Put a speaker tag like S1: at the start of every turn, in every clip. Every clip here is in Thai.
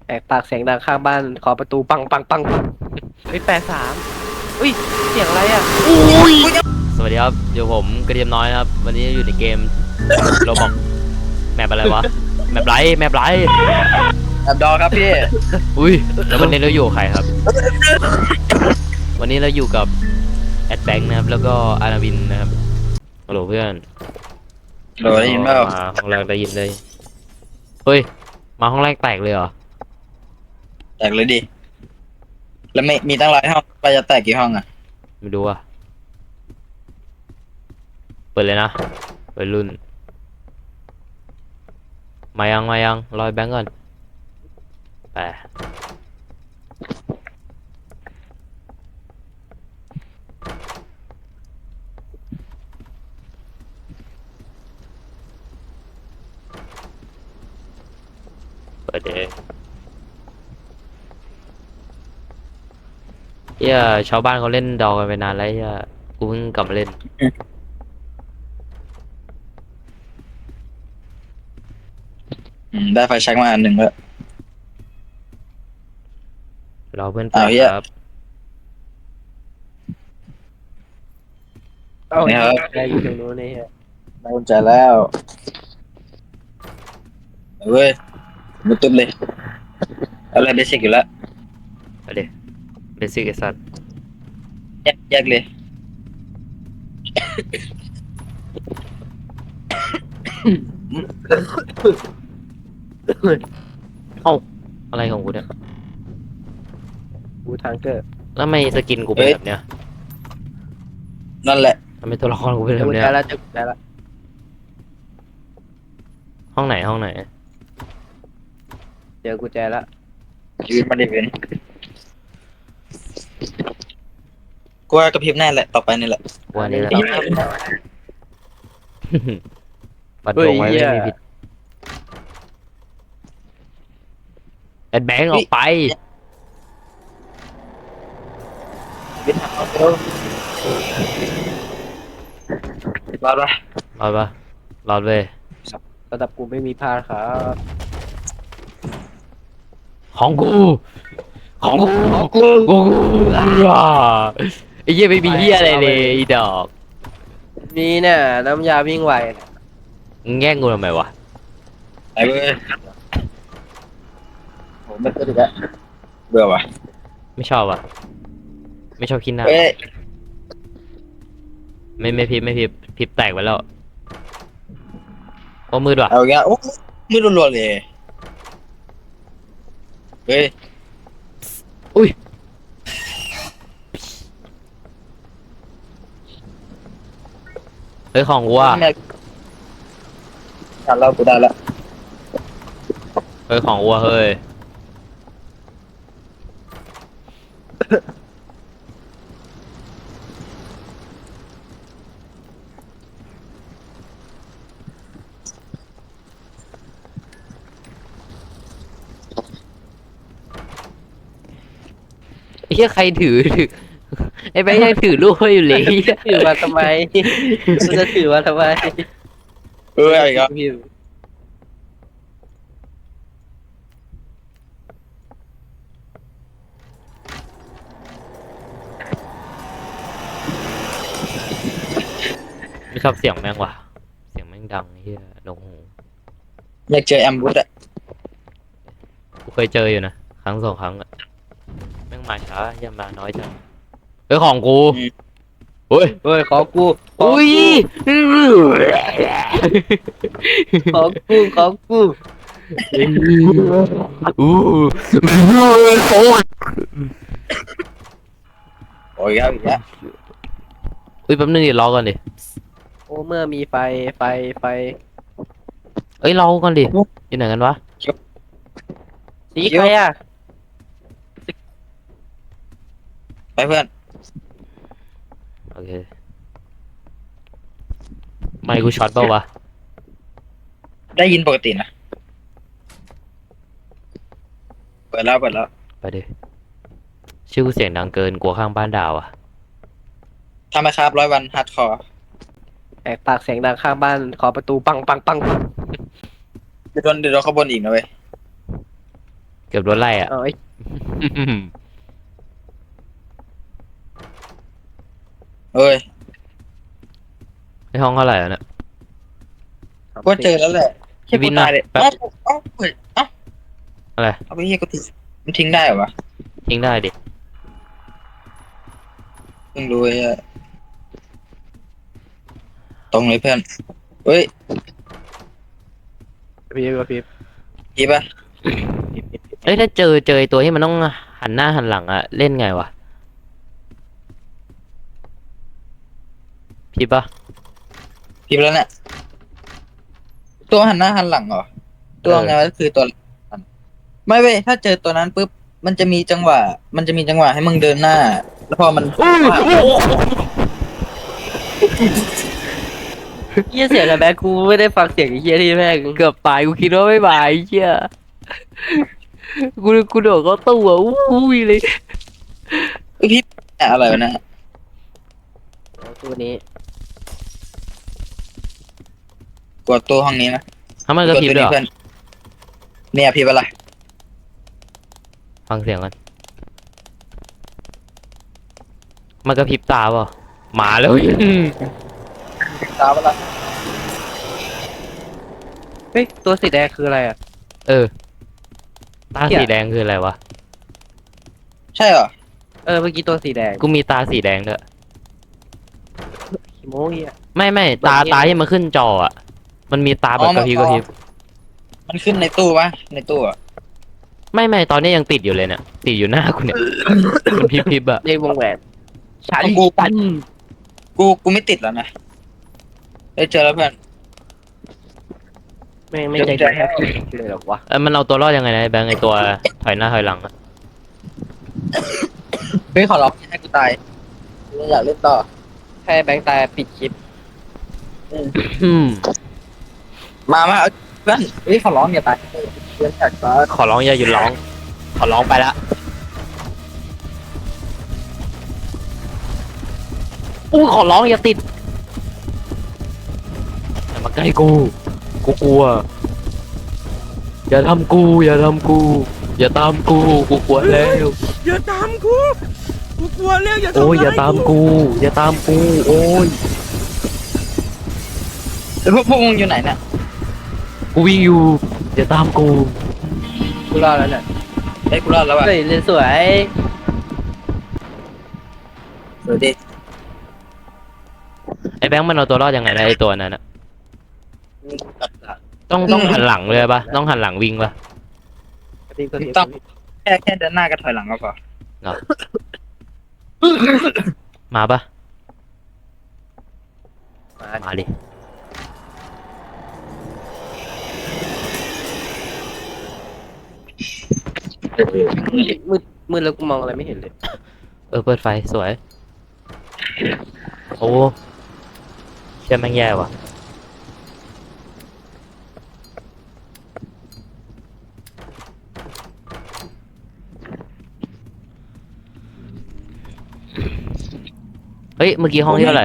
S1: แหกปากเสียงดังข้างบ้านขอประตูปังปังปังเฮ้ย83อุ้ยเสียงอะไรอ่ะอุ้ย
S2: สวัสดีครับอยู่ผมกระเทียมน้อยนะครับวันนี้อยู่ในเกมโรบอกแมปอะไรวะแมปไร
S3: แอบดอครับพี่
S2: อุ้ยแล้ววันนี้เราอยู่กับใครครับ วันนี้เราอยู่กับแอดแบงค์นะครับแล้วก็อานาวินนะครับฮัลโหลเพื่อน
S3: โหลได้ยินเปล่า
S2: มาห้องแรกได้ยินเลยเฮ้ยมาห้องแรกแตกเลยเหรอ
S3: แตกเลยดิ แล้วไม่มีตั้งหลายห้องไปจะแตกกี่ห้องอ่ะ
S2: ไม่รู้อ่ะเปิดเลยนะเปิดรุ่นมายังรอยแบงค์ก่อนไปเปิดเลยเฮียชาวบ้านเขาเล่นดอกันไปนานแล้วเฮียกูเพิ่งกลับมาเล่น
S3: ได้ไฟแช็กมาอันหนึ่งแล้ว
S2: รอเพื่อนไป
S3: อ้าวเหี้ย
S2: ครับ
S1: เอ้าอะไรอยู่ตรงนู้นนี่ฮะ
S3: ได้กุญแจแล้วเว้ยมุดตุ้มเลยอะไรเบสิกอยู่แล้ว
S2: ไปเดี๋ยวเบสิกไอสัตว์
S3: แยกเลย
S2: เอ้าอะไรของกูเนี่ย
S1: บูทางเกอร์
S2: แล้วทำไมสกินกูเป็นแบบเนี้ย
S3: นั่นแหละ
S2: ทำไมตัวละครกูเป็น
S1: เจ
S2: แบ
S1: อบกุญ
S2: เนี้
S1: แจ
S2: ย
S1: แล้วเจอกุญแจแล้ว
S2: ห้องไหน
S1: เจอกุญแจแล้ว
S3: ชีวิตมันได้เป็นกูว่ากระพริบแน่แหละ ต่อไปนี่แหละ
S2: วันนี้แหละ ปัด
S1: เฮ้
S2: ด
S1: ยว
S2: งไว้
S1: เหี้ย
S2: ไม่มีผิดแอดแบงค์ออกไป
S3: วิทย์ทางเร็วรอดปะ
S2: รอดปะรอดเว้ย
S1: ระดับกูไม่มีพลาดครับ
S2: ของกูอ่าไอ้เหี้ยไม่มีเหี้ยอะไรเลยไอีดอก
S1: นี่เนี่ยน้ำยาวิ่งไวน่ะ
S2: มึงแย่งกูทำไมวะ
S3: ไปเว้ยโหไม่ตื่นอีกแล้วเบื่อว่ะ
S2: ไม่ชอบอ่ะไม่ชอบขี้หน้า
S3: เฮ้ย
S2: ไม่พิบแตกไปแล้วโอ้มืดว่ะ
S3: เอาอีกแล้วโอ้มืดรัวๆเลยเฮ้ย
S2: เฮ้ยของกูอ่ะ
S3: ทันแล้วกูได้แล้ว
S2: เฮ้ยของกูอ่ะเฮ้ยไอ้เหี้ยใครถือไอ้แบงค์ยังถือลูกไว้อยู่เลย
S1: ถือมาทำไมกูจะถือมาทำไม
S3: เอาอีกแล้ว
S1: พี่
S2: ไม่ชอบเสียงแม่งว่ะเสียงแม่งดังไอ้เหี้ยหนวกหู
S3: อยากเจอแอมบูสอะ
S2: กูเคยเจออยู่นะครั้งสองครั้งอะแม่งมาช้าอย่ามาน้อยจังเฮ้ยของกูเฮ้ย
S1: เฮ้ยขอกูขอ
S2: อุ้ย
S1: กูขอกู
S2: อู้โอ้ย
S3: โอ้ยครับอีกแล้ว
S2: อุ้ยแป๊บนึงดิรอก่อนดิ
S1: โอ้เมื่อมีไฟไฟ
S2: เอ้ยรอก่อนดิอยู่ไหนกันวะ
S1: สีใครอ่ะ
S3: ไปเพื่อน
S2: โอเคไม่กูช็อตเปล่าวะ
S3: ได้ยินปกตินะเปิดแล้ว
S2: ไปดิชื่อกูเสียงดังเกินกลัวข้างบ้านด่าว่ะ
S3: ทำไมครับ100 วันฮาร์ดคอร์
S1: แหกปากเสียงดังข้างบ้านขอประตูปังปังปัง
S3: เดี๋ยวโดนเขาบนอีกนะเว้ย
S2: เกือบโดนไล่อ่ะ
S1: เอาไอ้
S3: เอ้ย
S2: ในห้องเท่าไหร่แล้วเนี่ย
S3: ก็เจอแล้วแหละแค่
S2: วิ
S3: กู
S2: นนะ
S3: ตายเลย
S2: แป๊บ
S3: เอ้าเฮ้ยเอ้า
S2: อะไร
S3: เอาไปเฮียกูทิ้งมันทิ้งได้เหรอวะ
S2: ทิ้งได้ดิ
S3: เพิ่งรู้ไอ้เหี้ยตรงเลยเพื่อนเฮ้ย
S1: พี่พี่
S3: ดีป่ะ
S2: เอ้ยถ้าเจอไอ้ตัวที่มันต้องหันหน้าหันหลังอะเล่นไงวะพี่ปะ
S3: พิมพ์แล้วเนี่ยตัวหันหน้าหันหลังเหรอตัวไงวะคือตัวไม่เว้ยถ้าเจอตัวนั้นปุ๊บมันจะมีจังหวะ ให้มึงเดินหน้า แล้วพอมัน
S1: เฮียเสียงอะไรแบงกูไม่ได้ฟังเสียงไอ้เฮียที่แม่ง
S2: เกือบตายกูคิดว่าไม่บายไอ้เหี้ยกูโดดเข้าตู้อะอุ้ยเลย
S3: เอ้ยพี่อะไรวะเนี่ย
S1: ตัวนี้
S3: กดตัวห้องนี้นะ
S2: ทำไมกระพริบด้วยเหรอ
S3: เพื่อนเนี่ยพี่อะไร
S2: ฟังเสียงกันมันกระพริบตาเปล่ะหมาเลย
S3: ตามอะไร
S1: เฮ้ยตัวสีแดงคืออะไรอ่ะ
S2: เออตาสีแดงคืออะไรวะ
S3: ใช่เหรอ
S1: เมื่อกี้ตัวสีแดง
S2: กูมีตาสีแดงด้วย
S1: ขี้โม้เฮีย
S2: ไม่ตาที่มันขึ้นจออะมันมีตาแบบกระพริบ
S3: มันขึ้นในตู้ปะในตู้อะ
S2: ไม่ตอนนี้ยังติดอยู่เลยเนี่ยติดอยู่หน้ากูเนี่ย มันพริบอะ
S1: ในวงแหวนชา
S3: ของ
S1: ลี
S3: กู
S1: ตัน
S3: กูไม่ติดแล้วนะเอ้ยเจอแล้วเพื่อน
S1: ไม่ใจดีแค่เลยหรอกวะ
S2: มันเอาตัวรอดยังไงนะไอ้แบงค์ไอตัวถอยหน้าถอยหลังอะ
S3: เฮ้ยขอร้องอย่าให้กูตายกูอยากเล่นต่อ
S1: ให้แบงค์ตายปิดคลิป
S2: อืม
S3: มาเอาเพื่อนเฮ้ยขอร้องอย่าตายเพื่อนอยากตาย
S2: ขอร้องอย่าหยุดร้อง ขอร้องไปละอู้ขอร้องอย่าติดอย่ามาใกล้กูกลัวอย่าทำกูอย่าตามกูกลัวแล้ว
S4: อย่าตามกูกลัวแล้วอย่าทำ
S2: โอ้ย
S4: ร้
S2: อย่าตามกูโอ้ย
S3: แล้วพวกมึงอยู่ไหนเนี่ย
S2: กูวิ่งอยู่อย่าตามกู
S1: กูรอดแล้วเนี่ย
S3: เฮ้ยกูรอดแล้วว่ะ
S1: เฮ้ยเรียนสวย
S3: สวัสดี
S2: ไอ้แบงค์มันเอาตัวรอดยังไงนะไอ้ตัวนั้นอะต้องหันหลังเลยปะต้องหันหลังวิ่งปะ
S3: ต้องแค่เดินหน้ากับถอยหลังก็พอ
S2: มาปะ
S1: มา
S2: มาดิ
S1: มืดแล้วกูมองอะไรไม่เห็นเลย
S2: เปิดไฟสวย โอ้เชื่อแม่งแย่ว่ะเฮ้ยเมื่อกี้ห้องที่เท่าไหร่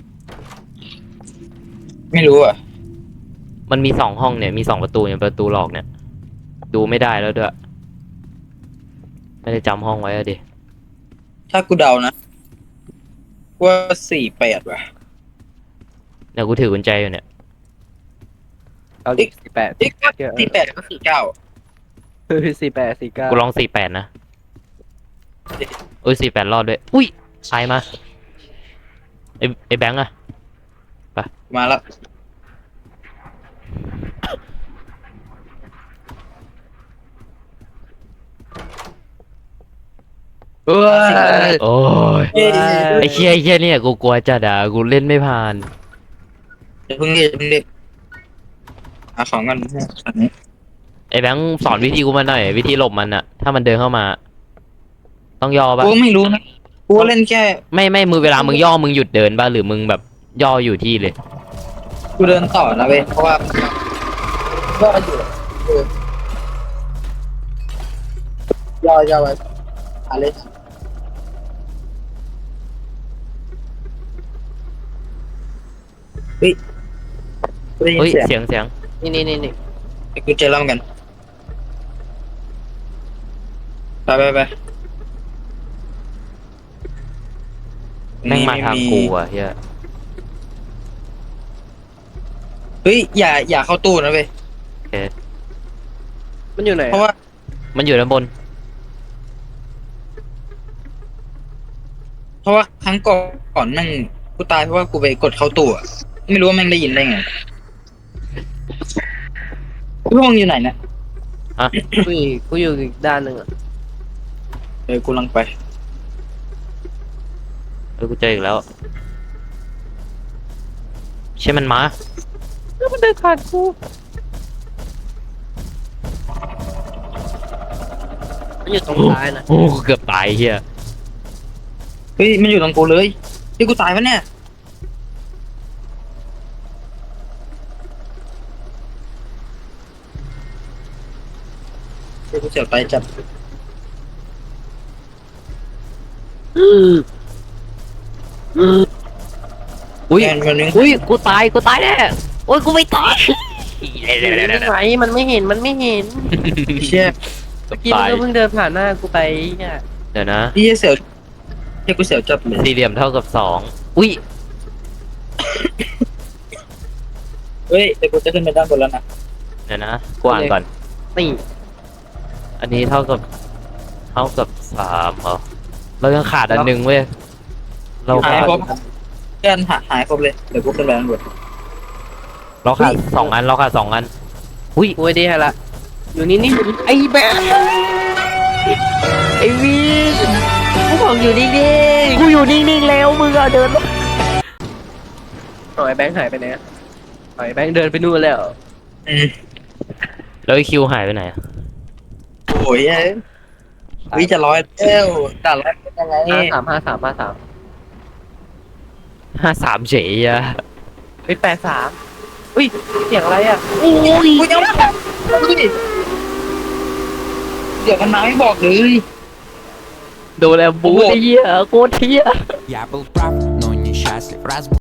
S3: ไม่รู้อ่ะ
S2: มันมี2 ห้องเนี่ยมี2 ประตูเนี่ยประตูหลอกเนี่ย ดูไม่ได้แล้วด้วยไม่ได้จำห้องไว้อะดิ
S3: ถ้ากูเดานะว่า48ว่ะ
S2: เดี๋ยวกูถือกุญแจอยู่เนี่ย
S1: เอาดิ48
S3: เอ๊ะ48ก็49
S1: เฮ้ย48 49
S2: กูลอง48นะเอ้ย48รอดด้วย อุ้ยใครมาไอ้แบงค์อะ
S3: มาแล้ว
S1: เอ้ย
S2: โอ้ย
S3: เย้
S2: ไอ้เชี่ยเนี่ยกูกลัวจัดอ่ะกูเล่นไม่ผ่าน
S3: อย่าเพิ่งดิเอาของกันอันนี้
S2: ไอ้แบงค์สอนวิธีกูมาหน่อยวิธีหลบมันอะถ้ามันเดินเข้ามา ต้องย่อปะ
S3: กูไม่รู้นะกูเล่นแค่
S2: ไม่มือเวลามึงย่อมึงหยุดเดินปะหรือมึงแบบย่ออยู่ที่เลย
S3: กูเดินต่อนะเว้ยเพราะว่าย่ออยู่ย่อไว้อะไรเฮ้ยได้ยิน
S2: เฮ้ย
S3: เสียง
S2: เสียง
S1: นี่
S3: กูเจอแล้วเหมือนกันไป
S2: แม่งมาทางกูอ่ะเฮีย
S3: เฮ้ยอย่าเข้าตู้นะเว้ย
S2: โอเค
S1: มันอยู่ไหน
S3: เพราะว่า
S2: มันอยู่ด้านบน
S3: ครั้งก่อนแม่งกูตายเพราะว่ากูไปกดเข้าตู้อะไม่รู้ว่าแม่งได้ยินได้ไงพวกมึงอยู่ไหนเนี่ย
S1: กูอยู่อีกด้านหนึ่งอ่ะ
S3: กูลังไป
S2: กูเจออีกแล้วใช่มันมา
S1: แล้วมันเดินผ่านกูมันอยู่ตรงซ้ายนะ
S2: โอ้เกือบตายเฮีย
S3: เฮ้ยมันอยู่ตรงกูเลยที่กูตายปะเนี่ยกูเสียวตายจับ
S2: อุ้ย
S3: แมนมันนึง
S2: อุ้ยกูตายแน่โอ้ยกูไม่ตาย
S1: ไหนมันไม่เห็นมันไม่เห็น
S3: เชี่ย
S1: เมื่อกี้มันก็เพิ่งเดินผ่านหน้ากูไปเนี่ย
S2: เดี๋ยวนะ
S3: พี่เสียวเชี่ยกูเสียวจับเลย
S2: สี่เหลี่ยมเท่ากับสองอุ้ย
S3: เฮ้ยแต่กูจะขึ้นไปด้านบนแล้วนะ
S2: เดี๋ยวนะกวางก่อน
S1: นี่
S2: อันนี้เท่ากับสามเหรอเรายังขาดอันหนึ่งเว้ยเรา
S3: หาย
S2: ขาด
S3: ครบเพื่อนหายครบเลยเดี๋ยวกูขึ้นไปด้านบน
S2: เราขาดสองอันอุ้ย
S1: กูไอ้ดีให้ละอยู่นี่นี่
S2: ไอ้แบงไอ้วีกูบอกอยู่นิ่งๆกูอยู่นิ่งๆแล้วมึงอะเดิน
S1: หน่อยแบงค์หายไปไหนอะหน่อยแบงค์เดินไปนู่นแล้ว
S3: อืม
S2: แล้วไอ้คิวหายไปไหนอะ
S3: โอ้ยเอ้ยวิจะร้อยเอ้วด่าร้อยเป็นยังไง
S1: 53
S2: 53เฉยอะ
S1: เฮ้ย83อุ้ยเสียงอะไรอ่ะ
S3: โอ้ยกูยังไม่บอกเลยเดี๋ยวมันมาไม่บอกเลย
S2: โดนแล้วบูไอ้เหี้ยโคตรเหี้ย
S5: Я был прав, но несчастлив, раз